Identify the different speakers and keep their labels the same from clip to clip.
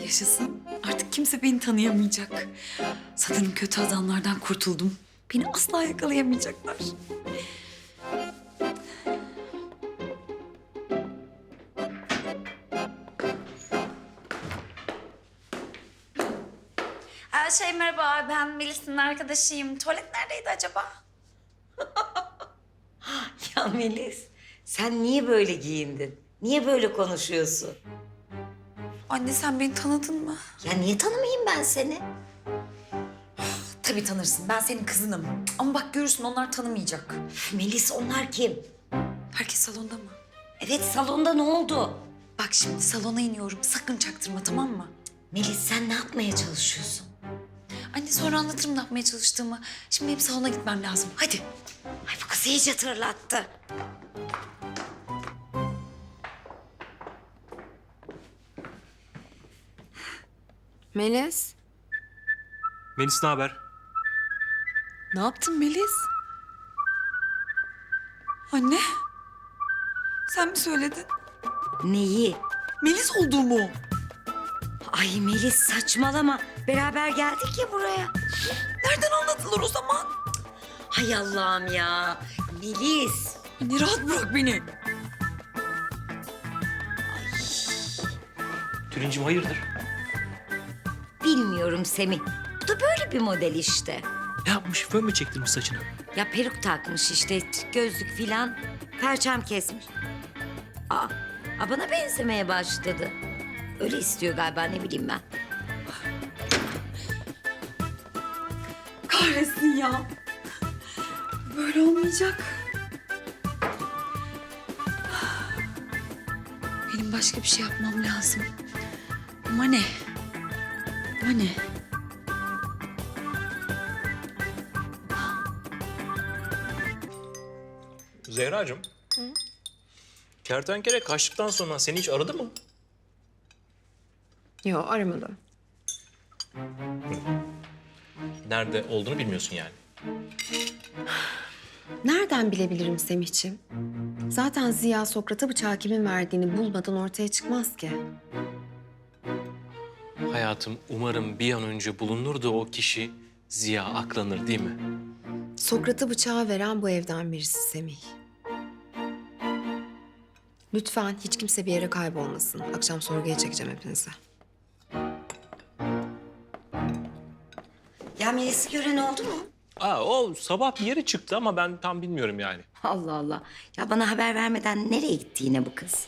Speaker 1: Yaşasın. Artık kimse beni tanıyamayacak. Sanırım kötü adamlardan kurtuldum. Beni asla yakalayamayacaklar. Merhaba, ben Melis'in arkadaşıyım. Tuvalet neredeydi acaba?
Speaker 2: Ya Melis, sen niye böyle giyindin? Niye böyle konuşuyorsun?
Speaker 1: Anne sen beni tanıdın mı?
Speaker 2: Ya niye tanımayayım ben seni?
Speaker 1: Tabii tanırsın. Ben senin kızınım. Ama bak görürsün onlar tanımayacak.
Speaker 2: Melis, onlar kim?
Speaker 1: Herkes salonda mı?
Speaker 2: Evet, salonda ne oldu?
Speaker 1: Bak şimdi salona iniyorum. Sakın çaktırma, tamam mı?
Speaker 2: Melis, sen ne yapmaya çalışıyorsun?
Speaker 1: Anne sonra anlatırım ne yapmaya çalıştığımı. Şimdi benim salona gitmem lazım. Hadi.
Speaker 2: Ay, bu kız iyice tırlattı.
Speaker 3: Melis,
Speaker 4: Melis ne haber?
Speaker 3: ne yaptın Melis?
Speaker 1: Anne. Sen mi söyledin?
Speaker 2: Neyi?
Speaker 1: Melis olduğumu.
Speaker 2: Ay Melis, saçmalama. Beraber geldik ya buraya.
Speaker 1: Nereden anlatılır o zaman?
Speaker 2: Hay Allah'ım ya. Melis.
Speaker 1: Anne rahat bırak beni.
Speaker 4: Tülincim hayırdır?
Speaker 2: Bilmiyorum Semih. Bu da böyle bir model işte.
Speaker 4: Ne yapmış? Fön mü çektirmiş saçına?
Speaker 2: Ya peruk takmış işte, gözlük filan. Perçem kesmiş. Aa, bana benzemeye başladı. Öyle istiyor galiba, ne bileyim ben.
Speaker 1: Kahretsin ya. Böyle olmayacak. Benim başka bir şey yapmam lazım. Ama ne? Ama ne?
Speaker 4: Zehracığım. Kertenkele kaçtıktan sonra seni hiç aradı mı?
Speaker 3: Yok, aramadım.
Speaker 4: Nerede olduğunu bilmiyorsun yani.
Speaker 3: Nereden bilebilirim Semihciğim? Zaten Ziya Sokrat'a bıçağı kimin verdiğini bulmadan ortaya çıkmaz ki.
Speaker 4: Hayatım umarım bir an önce bulunur da o kişi Ziya aklanır değil mi?
Speaker 3: Sokrat'a bıçağı veren bu evden birisi Semih. Lütfen hiç kimse bir yere kaybolmasın. Akşam sorguya çekeceğim hepinizi.
Speaker 2: Ya Melis'i gören oldu mu?
Speaker 4: O sabah bir yere çıktı ama ben tam bilmiyorum yani.
Speaker 2: Allah Allah. Ya bana haber vermeden nereye gitti yine bu kız?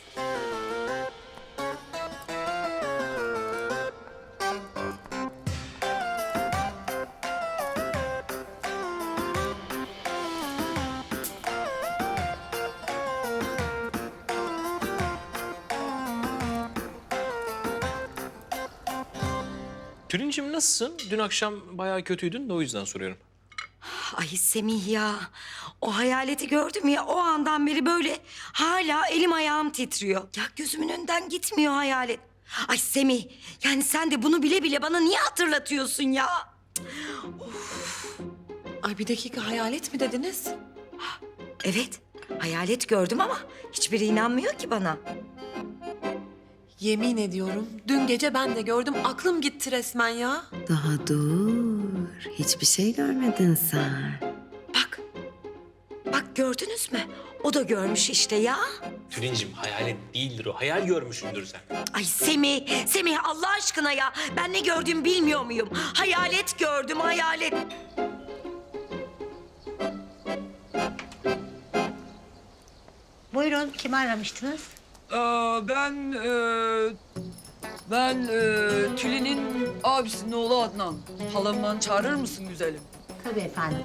Speaker 4: Tülincim nasılsın? Dün akşam bayağı kötüydün de o yüzden soruyorum.
Speaker 2: Ay Semih ya. O hayaleti gördüm ya, o andan beri böyle hala elim ayağım titriyor. Ya gözümün önünden gitmiyor hayalet. Ay Semih, yani sen de bunu bile bile bana niye hatırlatıyorsun ya?
Speaker 5: Ay bir dakika, hayalet mi dediniz?
Speaker 2: Evet, hayalet gördüm ama hiçbiri inanmıyor ki bana.
Speaker 5: Yemin ediyorum dün gece ben de gördüm, aklım gitti resmen ya.
Speaker 3: Daha dur. Hiçbir şey görmedin sen.
Speaker 2: Bak, bak gördünüz mü? O da görmüş işte ya.
Speaker 4: Tülincim hayalet değildir o. Hayal görmüşsündür sen.
Speaker 2: Ay Semih, Semih Allah aşkına ya. Ben ne gördüğümü bilmiyor muyum? Hayalet gördüm, hayalet.
Speaker 6: Buyurun, kimi aramıştınız?
Speaker 7: Ben Tülin'in abisinin oğlu Adnan. Halamdan çağırır mısın güzelim?
Speaker 6: Tabii efendim.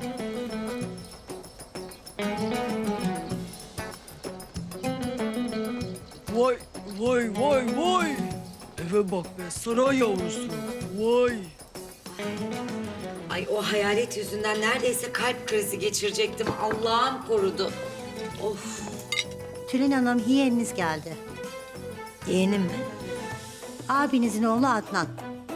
Speaker 7: Vay, vay, vay, vay. Eve bak be, saray yavrusu. Vay.
Speaker 2: Ay o hayalet yüzünden neredeyse kalp krizi geçirecektim. Allah'ım korudu. Of.
Speaker 6: Tülin Hanım, yeğeniniz geldi.
Speaker 2: Yeğenim mi?
Speaker 6: Abinizin oğlu Adnan.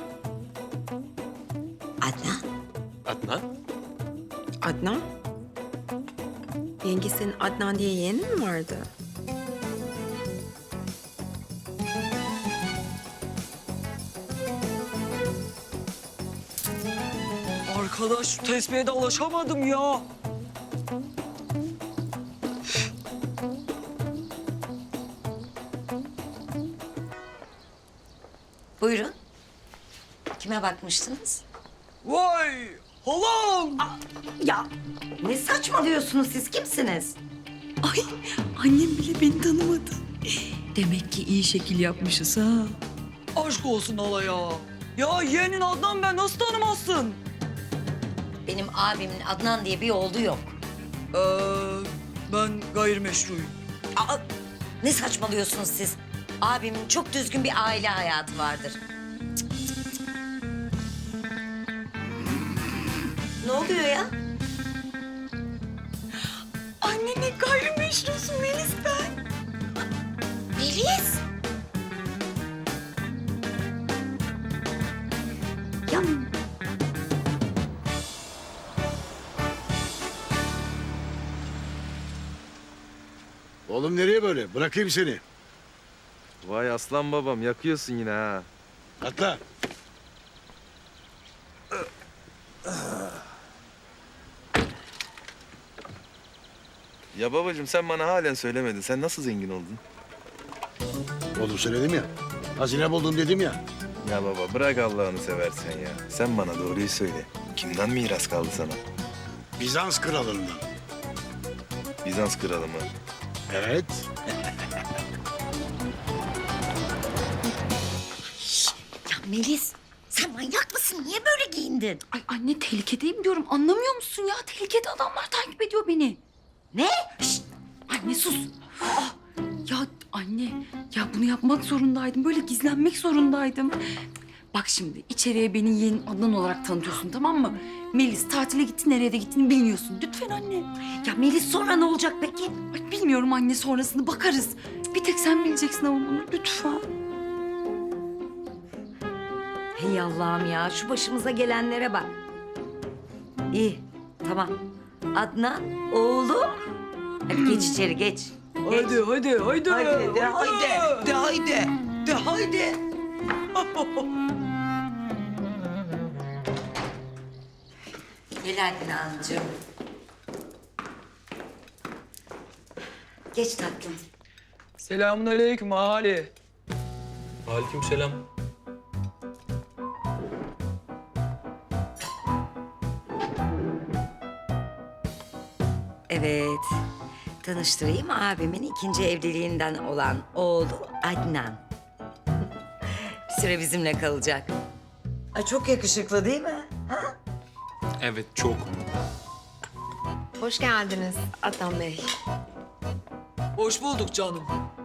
Speaker 2: Adnan.
Speaker 4: Adnan?
Speaker 3: Adnan? Yenge senin Adnan diye yeğenin mi vardı?
Speaker 7: Arkadaş şu tesbihe de alışamadım ya.
Speaker 2: Buyurun. Kime bakmıştınız?
Speaker 7: Vay halam.
Speaker 2: Ya ne saçmalıyorsunuz siz? Kimsiniz?
Speaker 1: Ay annem bile beni tanımadı. Demek ki iyi şekil yapmışız ha.
Speaker 7: Aşk olsun hala ya. Ya yeğenin Adnan ben nasıl tanımazsın?
Speaker 2: Benim abimin Adnan diye bir oğlu yok.
Speaker 7: Ee, ben gayrimeşruyum.
Speaker 2: Aa, ne saçmalıyorsunuz siz? Abimin çok düzgün bir aile hayatı vardır. Cık, cık, cık. Ne oluyor ya?
Speaker 1: Anne ne gayrimeşrusun Melis ben.
Speaker 2: Melis. Ya
Speaker 8: Oğlum nereye böyle? Bırakayım seni.
Speaker 9: Vay aslan babam yakıyorsun yine ha.
Speaker 8: Atla.
Speaker 9: Ya babacığım sen bana halen söylemedin. Sen nasıl zengin oldun?
Speaker 8: Oğlum söyledim ya. Hazine buldum dedim ya.
Speaker 9: Ya baba bırak Allah'ını seversen ya. Sen bana doğruyu söyle. Kimden miras kaldı sana?
Speaker 8: Bizans kralından.
Speaker 9: Bizans kralı mı?
Speaker 8: Evet.
Speaker 2: Ya Melis, sen manyak mısın? Niye böyle giyindin?
Speaker 1: Ay anne tehlikedeyim diyorum anlamıyor musun ya? Tehlikede adamlar takip ediyor beni.
Speaker 2: Ne?
Speaker 1: Şşt, anne sus. Aa, ya anne ya bunu yapmak zorundaydım. Böyle gizlenmek zorundaydım. Bak şimdi içeriye beni yeğenin Adnan olarak tanıtıyorsun tamam mı? Melis tatile gitti nereye de gittiğini bilmiyorsun. Lütfen anne.
Speaker 2: Ya Melis sonra ne olacak peki?
Speaker 1: Ay, bilmiyorum anne sonrasını bakarız. Bir tek sen bileceksin ama bunu lütfen.
Speaker 2: Hey Allah'ım ya şu başımıza gelenlere bak. İyi tamam. Adnan oğlum. Hadi geç içeri geç.
Speaker 7: Haydi haydi haydi.
Speaker 2: Haydi de haydi. De haydi. De haydi. Gel Adnancığım. Geç tatlım.
Speaker 7: Selamun aleyküm ahali.
Speaker 4: Aleykümselam.
Speaker 2: Evet. Tanıştırayım abimin ikinci evliliğinden olan oğlu Adnan. Bir süre bizimle kalacak. Ay çok yakışıklı değil mi?
Speaker 4: Evet çok.
Speaker 3: Hoş geldiniz Adnan Bey.
Speaker 7: Hoş bulduk canım.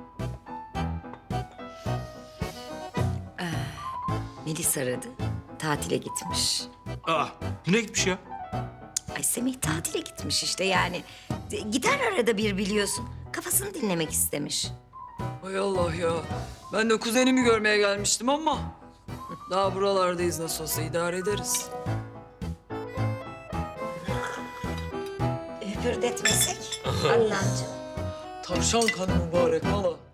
Speaker 2: Melis aradı. Tatile gitmiş.
Speaker 4: Nereye gitmiş ya?
Speaker 2: Ay Semih tatile gitmiş işte yani. Gider arada bir biliyorsun. Kafasını dinlemek istemiş.
Speaker 7: Hay Allah ya. Ben de kuzenimi görmeye gelmiştim ama... Daha buralardayız nasıl olsa idare ederiz.
Speaker 2: Hüpürdetmesek Adnancığım.
Speaker 7: Tavşan kanı mübarek hala.